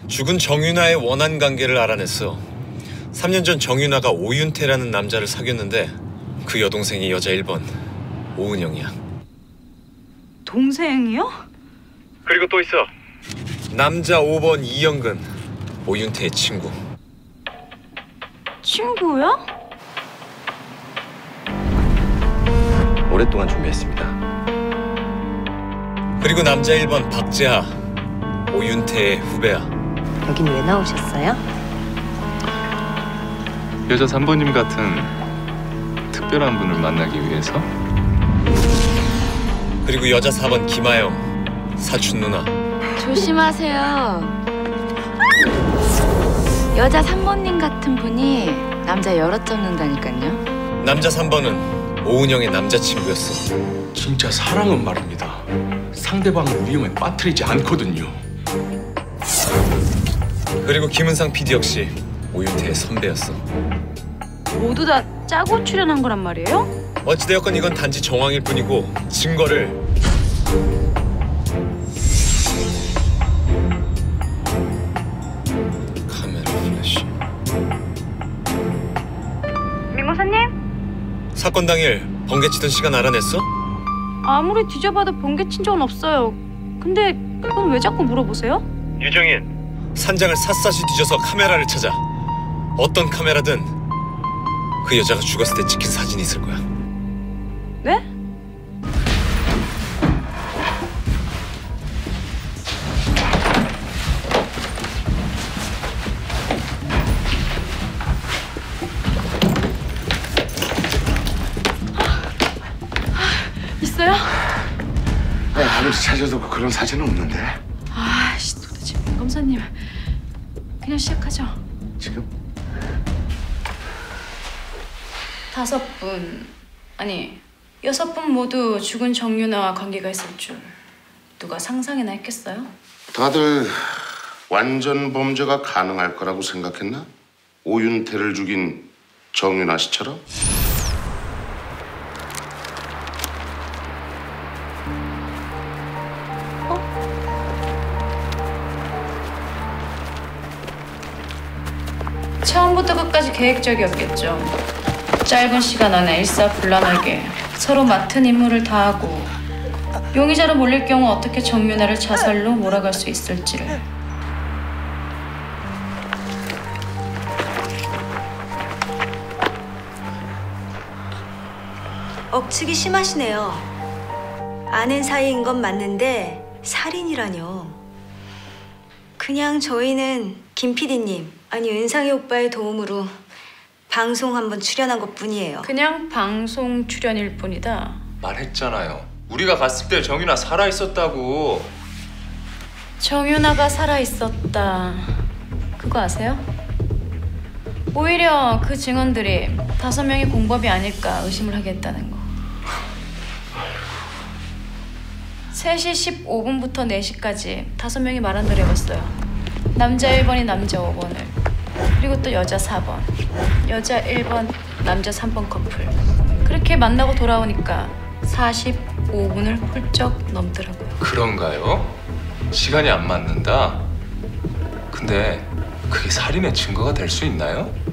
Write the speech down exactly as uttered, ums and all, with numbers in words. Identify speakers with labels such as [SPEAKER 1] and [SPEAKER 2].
[SPEAKER 1] 죽은 정윤아의 원한 관계를 알아냈어. 삼 년 전 정윤아가 오윤태라는 남자를 사귀었는데 그 여동생이 여자 일 번 오은영이야.
[SPEAKER 2] 동생이요?
[SPEAKER 1] 그리고 또 있어. 남자 오 번 이영근, 오윤태의 친구.
[SPEAKER 2] 친구야?
[SPEAKER 3] 오랫동안 준비했습니다.
[SPEAKER 1] 그리고 남자 일 번 박재하, 오윤태의 후배야.
[SPEAKER 4] 여긴 왜 나오셨어요?
[SPEAKER 5] 여자 삼 번님 같은 특별한 분을 만나기 위해서?
[SPEAKER 1] 그리고 여자 사 번 김아영, 사촌 누나.
[SPEAKER 6] 조심하세요. 여자 삼 번님 같은 분이 남자 여럿 잡는다니까요.
[SPEAKER 1] 남자 삼 번은 오은영의 남자친구였어.
[SPEAKER 7] 진짜 사랑은 말입니다. 상대방을 위험에 빠뜨리지 않거든요.
[SPEAKER 1] 그리고 김은상 피디 역시 오윤태의 선배였어.
[SPEAKER 2] 모두 다 짜고 출연한 거란 말이에요?
[SPEAKER 1] 어찌되었건 이건 단지 정황일 뿐이고 증거를 카메라 플래시.
[SPEAKER 2] 민고사님?
[SPEAKER 1] 사건 당일 번개치던 시간 알아냈어?
[SPEAKER 2] 아무리 뒤져봐도 번개 친 적은 없어요. 근데 그건 왜 자꾸 물어보세요?
[SPEAKER 1] 유정인, 산장을 샅샅이 뒤져서 카메라를 찾아. 어떤 카메라든 그 여자가 죽었을 때 찍힌 사진이 있을 거야.
[SPEAKER 2] 네? 있어요?
[SPEAKER 3] 네, 아무리 찾아도 그런 사진은 없는데.
[SPEAKER 2] 아씨, 도대체 민 검사님. 그냥 시작하죠.
[SPEAKER 3] 지금?
[SPEAKER 2] 다섯 분, 아니 여섯 분 모두 죽은 정윤아와 관계가 있을 줄 누가 상상이나 했겠어요?
[SPEAKER 8] 다들 완전 범죄가 가능할 거라고 생각했나? 오윤태를 죽인 정윤아 씨처럼?
[SPEAKER 2] 처음부터 끝까지 계획적이었겠죠. 짧은 시간 안에 일사불란하게 서로 맡은 임무를 다하고 용의자로 몰릴 경우 어떻게 정윤아를 자살로 몰아갈 수 있을지를.
[SPEAKER 4] 억측이 심하시네요. 아는 사이인 건 맞는데 살인이라뇨. 그냥 저희는 김 피디님, 아니 은상이 오빠의 도움으로 방송 한번 출연한 것뿐이에요.
[SPEAKER 2] 그냥 방송 출연일 뿐이다.
[SPEAKER 5] 말했잖아요. 우리가 갔을 때 정윤아 살아있었다고.
[SPEAKER 2] 정윤아가 살아있었다. 그거 아세요? 오히려 그 증언들이 다섯 명이 공범이 아닐까 의심을 하게 했다는 거. 세 시 십오 분부터 네 시까지 다섯 명이 말한 대로 해봤어요. 남자 일 번이 남자 오 번을, 그리고 또 여자 사 번, 여자 일 번, 남자 삼 번 커플. 그렇게 만나고 돌아오니까 사십오 분을 훌쩍 넘더라고요.
[SPEAKER 5] 그런가요? 시간이 안 맞는다? 근데 그게 살인의 증거가 될 수 있나요?